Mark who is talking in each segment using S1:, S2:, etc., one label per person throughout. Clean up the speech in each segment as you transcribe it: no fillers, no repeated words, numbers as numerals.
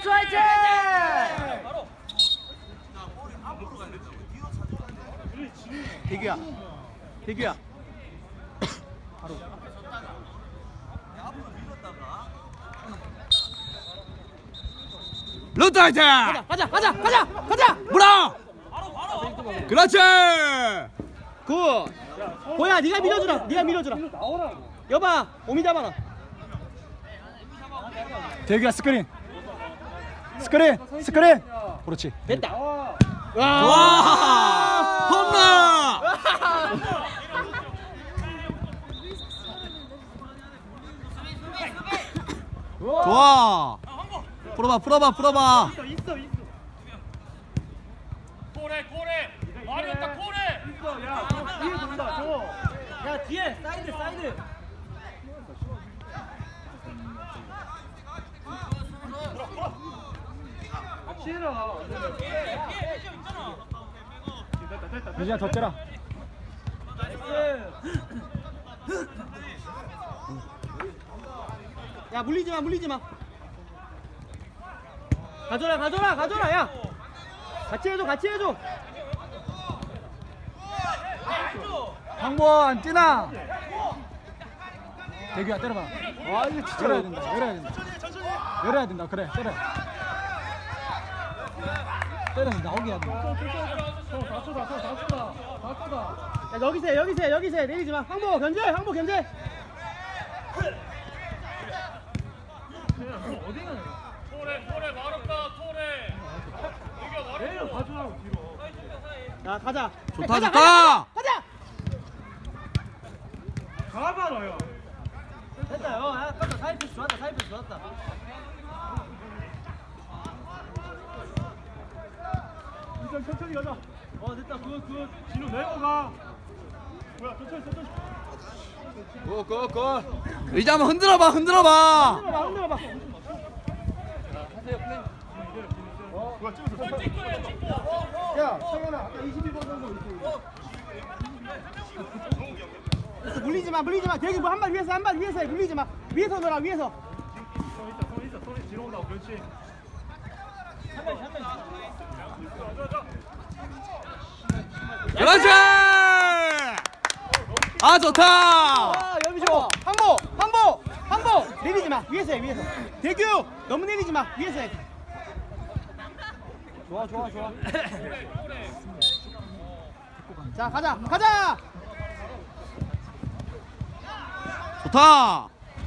S1: 스트라이크 화이팅!
S2: 대규야. 대규야. 바로.
S3: 루트 화이팅!
S2: 가자!
S3: 물어! 그렇지!
S2: 굿! 보야, 네가 밀어주라. 여봐, 오미 잡아라.
S4: 대규야 스크린. 그렇지.
S2: 됐다.
S3: 와! 홈런! 좋아! 풀어봐.
S2: 있어.
S5: 고래 말이었다 고래.
S2: 야, 뒤에 돈다, 줘. 야, 뒤에 사이드. 싫어.
S4: 유진아 덮쳐라.
S2: 야, 물리지 마. 가져라. 야. 같이 해줘.
S4: 황보안 뛰나. 대규야 때려봐. 아 이거 진짜 열어야 된다. 그래 때려. 때려서 나오게 해야 돼.
S2: 야, 여기서 해. 내리지 마. 항복 견제.
S5: 고래 말없다 고래. 이겨 말없다.
S2: 야, 가자.
S3: 좋다.
S2: 가자.
S5: 가봐라요.
S2: 됐다. 야, 깜짝 사이패스 좋았다.
S5: 일단 천천히 가자.
S2: 됐다. 굿.
S5: 진우 내고 가. 뭐야 천천히.
S3: 의자 한번 흔들어봐.
S2: 흔들어봐.
S5: 뭐야 찍었어.
S2: 야, 성현아, 아까 21번 선수 물리지 마. 대기 뭐 한 발 위에서 해. 물리지 마. 위에서 넣어라.
S5: 손 있어. 손이 뒤로 온다고. 그렇지.
S3: 그렇지! 아 좋다!
S2: 아, 여기서 항복. 내리지 마. 위에서 해. 대규, 너무 내리지 마. 위에서 해. 좋아. 자, 가자.
S3: 좋다!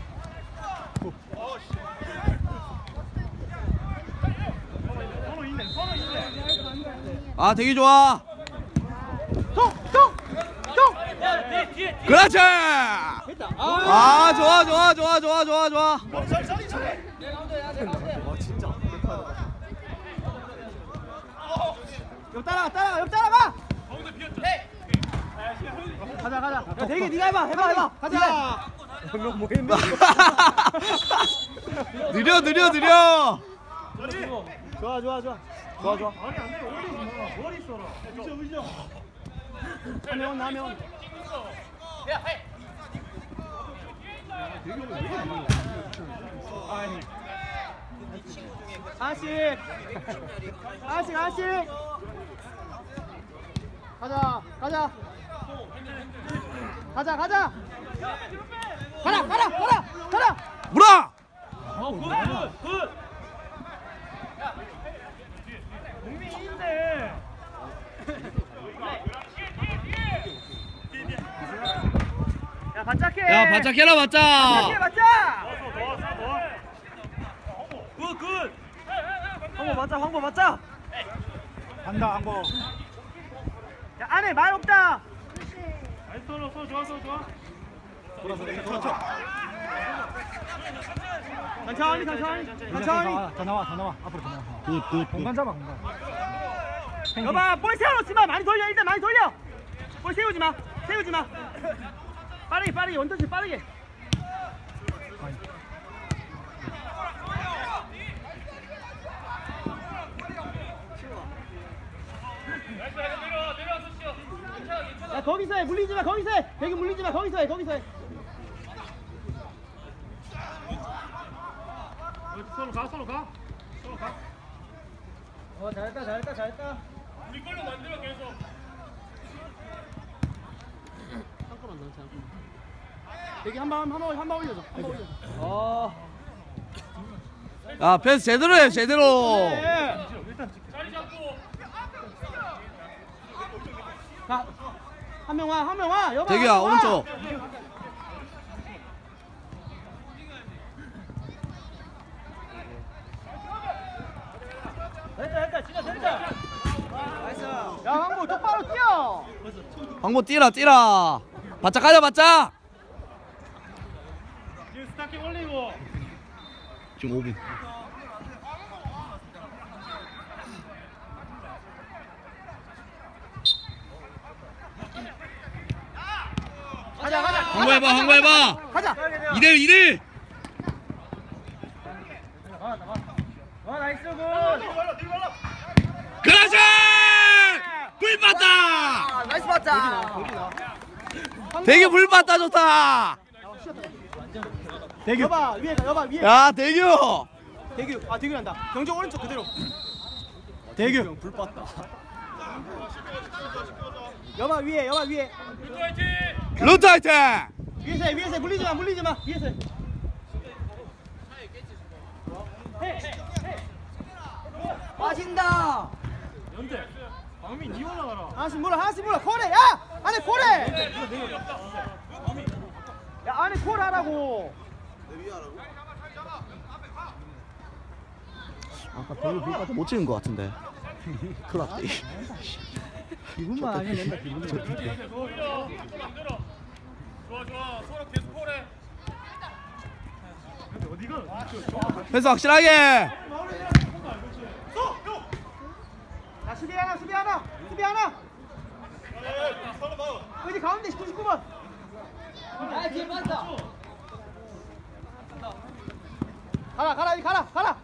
S3: 아 되게 좋아!
S2: 톡.
S3: 그렇지!
S2: 됐다.
S3: 아 좋아!
S2: 옆 따라가. 가자. 야, 대기 네가 해봐. 가자. 뭐 했네.
S3: 느려!
S2: 좋아.
S5: 아니 안 돼. 머리 써라. 의정.
S2: 하면. 아식. 가자. 가라.
S3: 물어!
S5: 굿. 국민인데.
S2: 야, 바짝해.
S3: 야 바짝해라 바짝!
S5: 굿.
S2: 황보 맞자.
S4: 간다 황보.
S2: 야, 안에 말 없다.
S5: 나이스 서 좋아.
S2: 천천히.
S4: 더 나와. 앞으로 더 나와.
S3: 굿.
S4: 공간 잡아.
S2: 여봐, 볼 세워놓지 마. 일단 많이 돌려. 볼 세우지 마. 빠르게 원터치 빠르게. 야, 거기서 해. 물리지 마. 거기서 해. 대기 물리지 마. 거기서 해.
S5: 서로 가.
S2: 잘했다.
S5: 우리 걸로 만들어 계속.
S2: 한꺼만 넣자. 여기 한번 올려줘.
S3: 야 패스 제대로 해 제대로.
S5: 자리 잡고.
S2: 자, 한 명 와. 여봐.
S3: 대규야
S2: 한 명 와.
S3: 오른쪽.
S2: 됐다. 야, 황보 똑바로 뛰어.
S3: 황보 뛰라. 바짝 가자 바짝.
S5: 지금 스타킹 올리고.
S3: 지금 5분.
S2: 가자.
S3: 황보해봐.
S2: 가자.
S3: 2대1.
S2: 나이스 굿.
S3: 그렇지. 불 봤다.
S2: 나이스 봤다.
S3: 대규 불 봤다 좋다.
S2: 대규. 여봐 위에.
S3: 야 대규.
S2: 대규. 대규란다. 경정 오른쪽 그대로. 대규. 불 봤다. 여봐 위에.
S3: 루트 화이팅.
S2: 위에서 물리지 마. 위에서. 빠진다.
S5: 연대. 광민 니 올라가라.
S2: 하나씩 몰라. 코레. 야! 안에 코레. 야, 안에 코레 하라고.
S3: 아까 대규 불 봤다 못 찍은 것 같은데. 큰일 났다.
S2: 기분만 알면 된다. 기분만.
S5: 오히려 또 만들어. 좋아. 서로 계속 콜해. 근데 어디가?
S3: 패스 확실하게.
S2: 야, 수비 하나. 여기 가운데 99번. 야, 뒤에 빠졌다. 가라.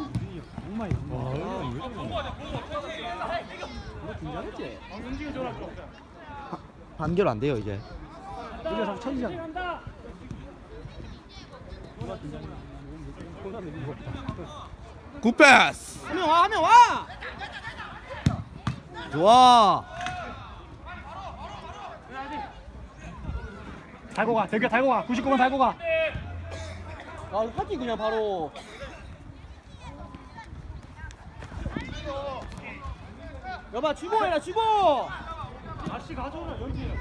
S2: 긴장했지?
S5: 움직여 줘라.
S3: 반결 안 돼요 이제.
S2: 이제 다 천지잖아.
S3: 굿 패스.
S2: 한 명 와.
S3: 좋아.
S4: 달고 가. 대규 달고 가. 99번 달고 가.
S2: 하기 그냥 바로. 여봐 주고.
S5: 다시 가져오라 여기.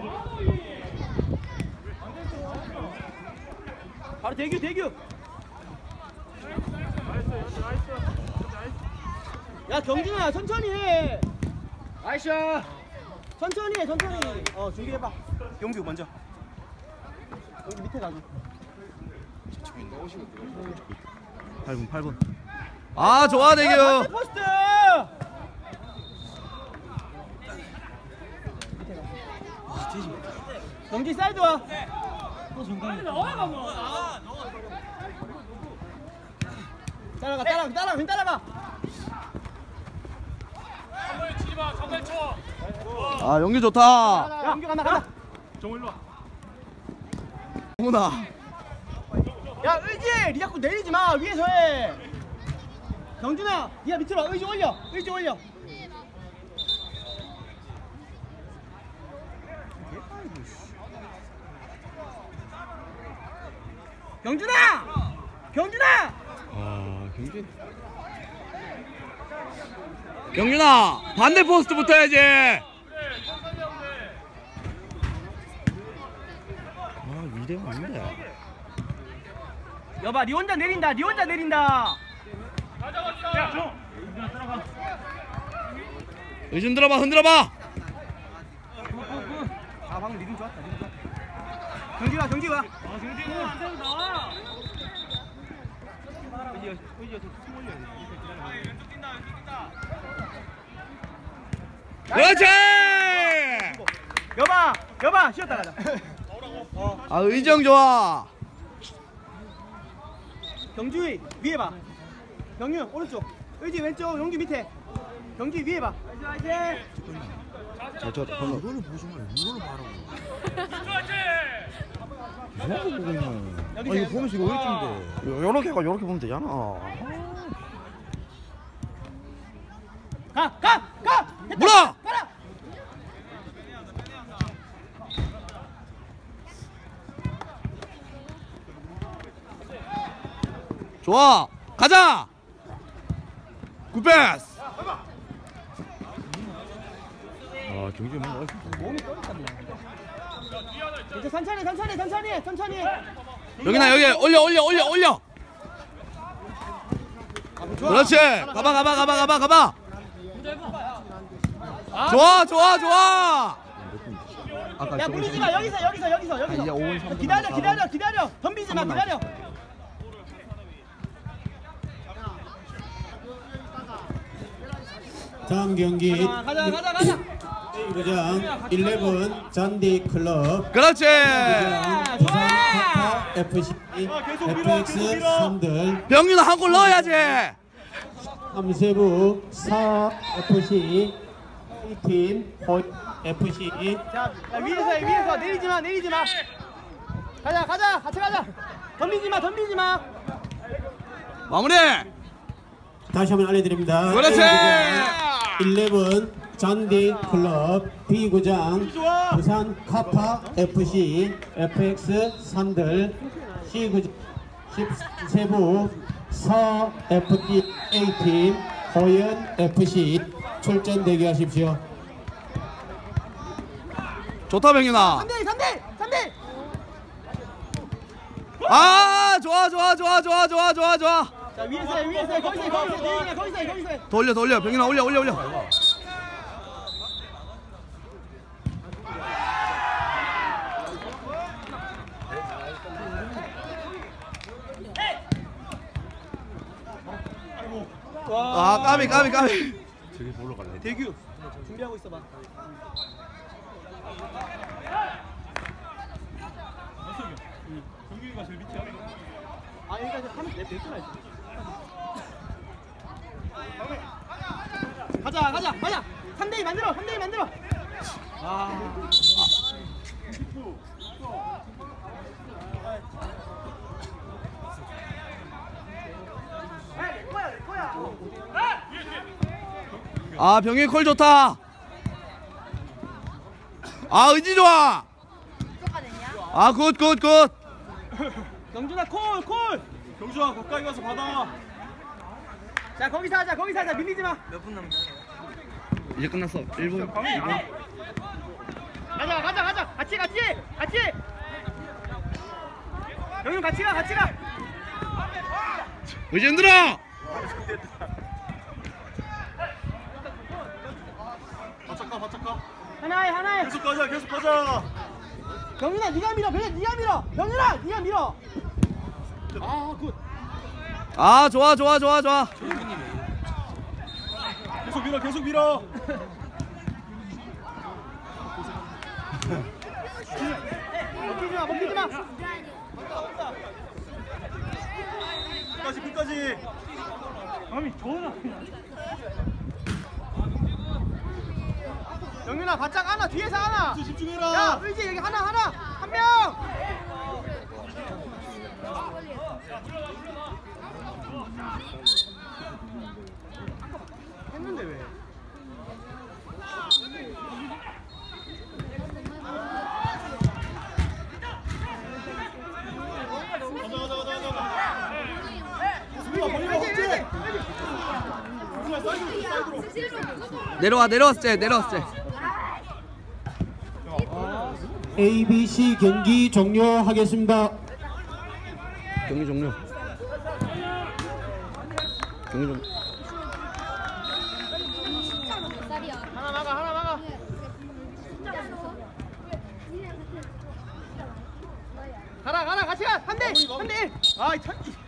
S2: 바로 대규.
S5: 나이스.
S2: 야 경준아 천천히 해. 아이샤. 천천히 해. 준비해봐. 경규 먼저. 여기 밑에 가자.
S3: 8분. 아 좋아 대규.
S2: 포스트. 경기 사이드 와. 따라가.
S5: 한번에 치지 마. 정말 쳐.
S3: 아 연기 좋다.
S2: 야, 경규 간다.
S5: 정 일로 와.
S3: 홍훈아.
S2: 야, 의지! 니 자꾸 내리지 마. 위에서 해. 경준아, 니가 밑으로 와. 의지 올려. 경준아!
S3: 아 경준아 반대 포스트 붙어야지. 아 이대면 안돼.
S2: 여봐, 니 혼자 내린다.
S5: 야, 정. 따라가.
S3: 의준 흔들어봐.
S2: 아, 방금 리듬 좋았다. 경기 와.
S5: 경진아 안 되면 나와.
S2: 의지가 좀 올려야 돼.
S3: 그렇지.
S2: 여봐, 쉬었다 가자.
S3: 아 의정 좋아.
S2: 경주희 위에 봐. 경유 오른쪽. 의지 왼쪽. 용기 밑에. 경기 위에 봐.
S3: 저 이거를 보지 마. 이거를 봐라고.
S5: 그렇지.
S3: 뭐하고 보고 있노.
S2: 이거 보면서 이거
S3: 요렇게 보면 되잖아.
S2: 가. 됐다.
S3: 물어!
S2: 가라.
S3: 좋아. 가자. 굿패스.
S5: 아 경기 뭔가
S2: 몸이 떨어졌네. 이제 천천히.
S3: 여기나 여기 올려. 그렇지. 가봐. 좋아. 아까
S2: 야 물리지 마. 여기서.
S3: 이제 5분 3분
S2: 기다려. 덤비지 마. 기다려.
S1: 다음 경기
S2: 가자.
S1: A구장 11 잔디 클럽
S3: 그렇지.
S1: 부산 카타 FC FX 산들
S3: 병윤아 한 골 넣어야지.
S1: 함세부 4 FC A팀 호 FC
S2: 자, 위에서 내리지 마. 가자. 같이 가자. 덤비지 마.
S3: 마무리.
S1: 다시 한번 알려드립니다.
S3: 그렇지.
S1: 11 잔디 클럽 B구장 부산 카파 FC FX 산들 C구장 13세부 서 FD A팀 호연 FC 출전 대기하십시오.
S3: 좋다 병윤아.
S2: 3대.
S3: 아 좋아.
S2: 자, 위에서 거기서 해.
S3: 돌려 병윤아 올려. 아 까비.
S5: 저기 보러 갈래.
S2: 대규 준비하고 있어 봐.
S5: 경기가 제일 밑이야.
S2: 아, 여기까지 하면 내 뺏어야지. 가자. 3대2 만들어. 아.
S3: 아 병윤 콜 좋다. 아 의지 좋아. 아 굿.
S2: 영준아 콜.
S5: 경주아 가까이 가서 받아.
S2: 자, 거기서 하자. 밀리지 마.
S3: 이제 끝났어. 1분.
S2: 가자. 같이. 영준 같이 가.
S3: 의지 흔들어.
S5: 바짝 가.
S2: 하나에.
S5: 계속 가자.
S2: 영준아 네가 밀어. 영준아 네가 밀어. 아, 굿.
S3: 아 좋아.
S5: 계속 밀어.
S2: 먹히지 마.
S5: 끝까지.
S2: 아니, 좋아. 영준아 바짝 하나, 뒤에서 하나.
S5: 집중해라.
S2: 야, 의지 여기 하나. 한 명. 했는데 왜?
S3: 내려왔을 때.
S1: ABC 경기 종료하겠습니다.
S3: 경기 종료.
S2: 하나 막아. 가라 같이 가. 3대 1. 아,